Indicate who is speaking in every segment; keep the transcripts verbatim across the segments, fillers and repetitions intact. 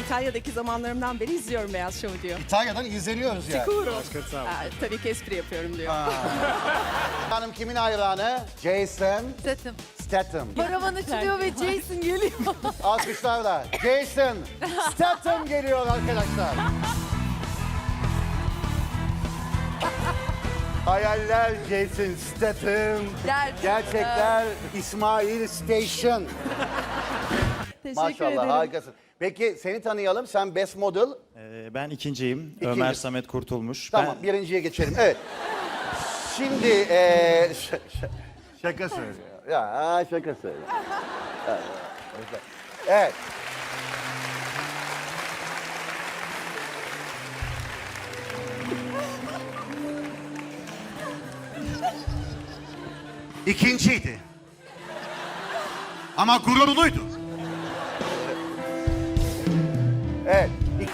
Speaker 1: İtalya'daki zamanlarımdan beri izliyorum Beyaz Şov'u diyor.
Speaker 2: İtalya'dan izleniyoruz yani.
Speaker 1: Sicuro. Aa, tabii ki espri yapıyorum diyor.
Speaker 2: Hanım kimin hayranı? Jason
Speaker 3: Statham.
Speaker 2: Statham.
Speaker 3: Paravan açılıyor ve Jason geliyor.
Speaker 2: Alkışlarla Jason Statham geliyor arkadaşlar. Hayaller Jason Statham.
Speaker 3: Gerçekler.
Speaker 2: Gerçekler İsmail Station.
Speaker 3: Teşekkür
Speaker 2: Maşallah
Speaker 3: ederim.
Speaker 2: harikasın. Peki seni tanıyalım. Sen Best Model.
Speaker 4: Ee, Ben ikinciyim.
Speaker 2: İkinci.
Speaker 4: Ömer Samet Kurtulmuş.
Speaker 2: Tamam
Speaker 4: Ben
Speaker 2: birinciye geçelim. Evet. Şimdi eee ş- ş- şaka söylüyor. Ya şaka söylüyor. Evet. Evet.
Speaker 5: İkinciydi. Ama gururluydu.
Speaker 2: Evet. İk-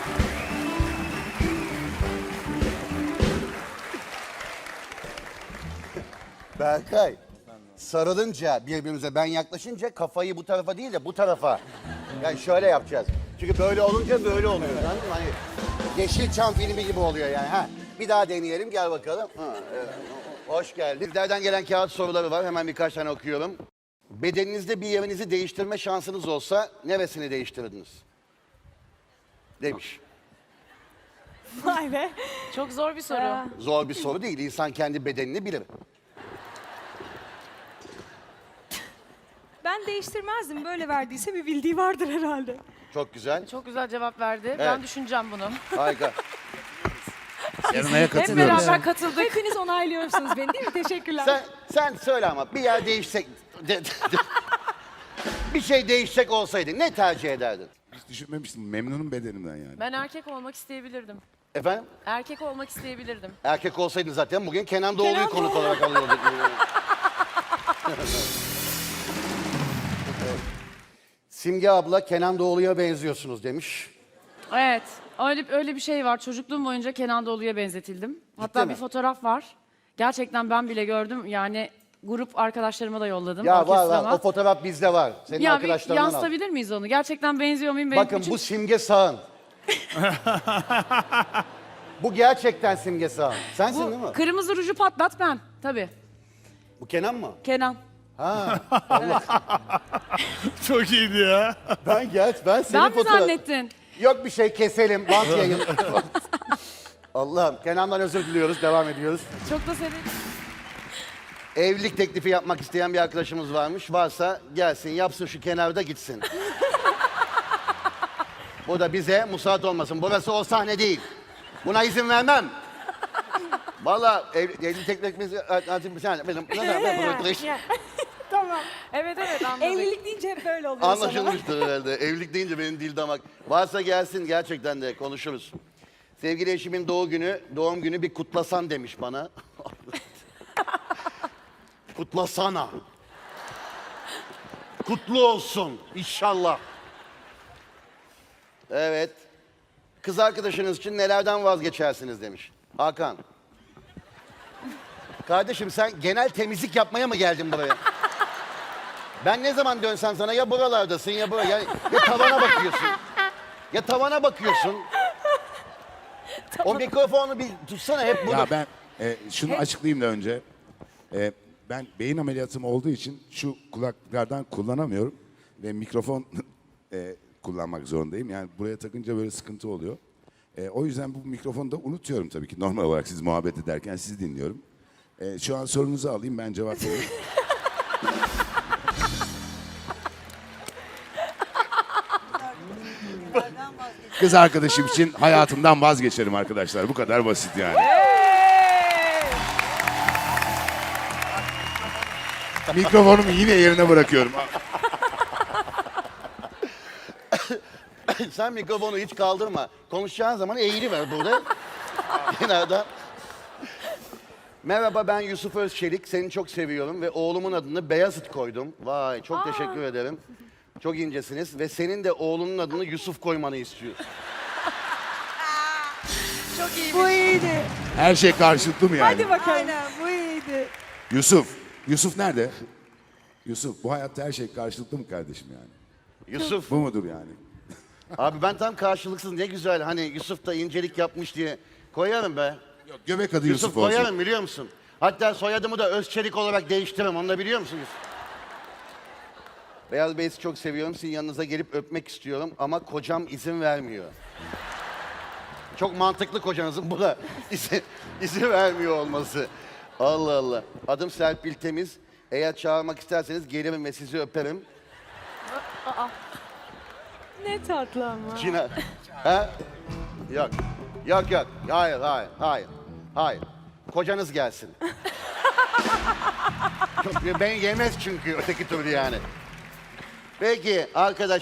Speaker 2: Berkay, sarılınca birbirimize ben yaklaşınca kafayı bu tarafa değil de bu tarafa. Yani şöyle yapacağız. Çünkü böyle olunca böyle oluyor. Anladın mı? Hani Yeşilçam filmi gibi oluyor yani. Ha. Bir daha deneyelim gel bakalım. Ha, evet. Hoş geldin. Sizlerden gelen kağıt soruları var. Hemen birkaç tane okuyorum. Bedeninizde bir yerinizi değiştirme şansınız olsa neresini değiştirirdiniz? Demiş.
Speaker 1: Vay be.
Speaker 3: Çok zor bir soru.
Speaker 2: Zor bir soru değil. İnsan kendi bedenini bilir.
Speaker 1: Ben değiştirmezdim. Böyle verdiyse bir bildiği vardır herhalde.
Speaker 2: Çok güzel.
Speaker 3: Çok güzel cevap verdi. Ben düşüneceğim bunu.
Speaker 2: Harika.
Speaker 4: Yarınaya
Speaker 3: Hep
Speaker 4: katılıyorum.
Speaker 3: beraber katıldık.
Speaker 1: Hepiniz onaylıyorsunuz beni değil mi? Teşekkürler.
Speaker 2: Sen, sen söyle ama bir yer değişsek... de- de- bir şey değişsek olsaydı ne tercih ederdin?
Speaker 6: Hiç düşünmemiştim. Memnunum bedenimden yani.
Speaker 3: Ben erkek olmak isteyebilirdim.
Speaker 2: Efendim?
Speaker 3: Erkek olmak isteyebilirdim.
Speaker 2: Erkek olsaydın zaten bugün Kenan Doğulu'yu
Speaker 1: Kenan
Speaker 2: konuk
Speaker 1: Doğulu.
Speaker 2: olarak alıyorduk. Simge abla Kenan Doğulu'ya benziyorsunuz demiş.
Speaker 3: Evet. Öyle öyle bir şey var. Çocukluğum boyunca Kenan Doğulu'ya benzetildim. Hatta
Speaker 2: mi?
Speaker 3: bir fotoğraf var. Gerçekten ben bile gördüm. Yani grup arkadaşlarıma da yolladım.
Speaker 2: Ya var
Speaker 3: orkestrama.
Speaker 2: var o fotoğraf bizde var. Senin
Speaker 3: Ya bir
Speaker 2: arkadaşlarından al.
Speaker 3: yansıtabilir miyiz onu? Gerçekten benziyor muyum? Benim
Speaker 2: Bakın
Speaker 3: bütün-
Speaker 2: bu Simge Sağın. Bu gerçekten Simge Sağın. Sensin değil mi?
Speaker 3: bu kırmızı ruju patlat ben. Tabii.
Speaker 2: Bu Kenan mı?
Speaker 3: Kenan.
Speaker 4: Çok iyiydi ya.
Speaker 2: Ben geç ben senin
Speaker 3: Ben mi
Speaker 2: fotoğraf...
Speaker 3: zannettin?
Speaker 2: Yok bir şey keselim. Bant yayın. Allah'ım Kenan'dan özür diliyoruz. Devam ediyoruz.
Speaker 3: Çok da severim.
Speaker 2: Evlilik teklifi yapmak isteyen bir arkadaşımız varmış. Varsa gelsin yapsın şu kenarda gitsin. Bu da bize musallat olmasın. Burası o sahne değil. Buna izin vermem. Vallahi ev, evlilik teklifimizi...
Speaker 1: Tamam.
Speaker 3: Evet evet anladık.
Speaker 1: Evlilik deyince hep böyle oluyor sana.
Speaker 2: Anlaşılmıştır herhalde. Evlilik deyince benim dil damak. Varsa gelsin gerçekten de konuşuruz. Sevgili eşimin doğum günü, doğum günü bir kutlasan demiş bana. Kutlasana. Kutlu olsun inşallah. Evet. Kız arkadaşınız için nelerden vazgeçersiniz demiş. Hakan. Kardeşim sen genel temizlik yapmaya mı geldin buraya? Ben ne zaman dönsem sana ya buralardasın ya buraya ya, ya tavana bakıyorsun. Ya tavana bakıyorsun. O mikrofonu bir tutsana hep bunu.
Speaker 6: Ya ben e, şunu açıklayayım da önce. E, ben beyin ameliyatım olduğu için şu kulaklardan kullanamıyorum. Ve mikrofon e, kullanmak zorundayım. Yani buraya takınca böyle sıkıntı oluyor. E, o yüzden bu mikrofonu da unutuyorum tabii ki. Normal olarak siz muhabbet ederken sizi dinliyorum. E, şu an sorunuzu alayım ben cevap vereyim. Kız arkadaşım için hayatımdan vazgeçerim arkadaşlar. Bu kadar basit yani. Mikrofonumu yine yerine bırakıyorum.
Speaker 2: Sen mikrofonu hiç kaldırma. Konuşacağın zaman eğili ver burada. Kenarda. Merhaba ben Yusuf Özçelik. Seni çok seviyorum ve oğlumun adını Beyazıt koydum. Vay çok teşekkür ederim. Çok incesiniz ve senin de oğlunun adını Yusuf koymanı istiyor.
Speaker 3: Çok iyi.
Speaker 1: Bu iyiydi.
Speaker 6: Her şey karşılıklı mı yani?
Speaker 1: Hadi bakalım. Aynen bu iyiydi.
Speaker 6: Yusuf. Yusuf nerede? Yusuf bu hayatta her şey karşılıklı mı kardeşim yani?
Speaker 2: Yusuf.
Speaker 6: Bu mudur yani?
Speaker 2: Abi ben tam karşılıksız ne güzel hani Yusuf da incelik yapmış diye koyarım be.
Speaker 6: Yok, göbek adı
Speaker 2: Yusuf,
Speaker 6: Yusuf, olsun.
Speaker 2: koyarım biliyor musun? Hatta soyadımı da Özçelik olarak değiştiririm. Onu da biliyor musunuz? Beyaz Bey'i çok seviyorum. Sizin yanınıza gelip öpmek istiyorum ama kocam izin vermiyor. Çok mantıklı kocanızın buna izin, izin vermiyor olması. Allah Allah. Adım Serpil Temiz. Eğer çağırmak isterseniz gelirim ve sizi öperim.
Speaker 1: Ne tatlı ama.
Speaker 2: Cina. Ha? Yok. Yok yok. Hayır hayır hayır. Hayır. Kocanız gelsin. Çok, ben yemez çünkü öteki türlü yani. Peki arkadaşlar.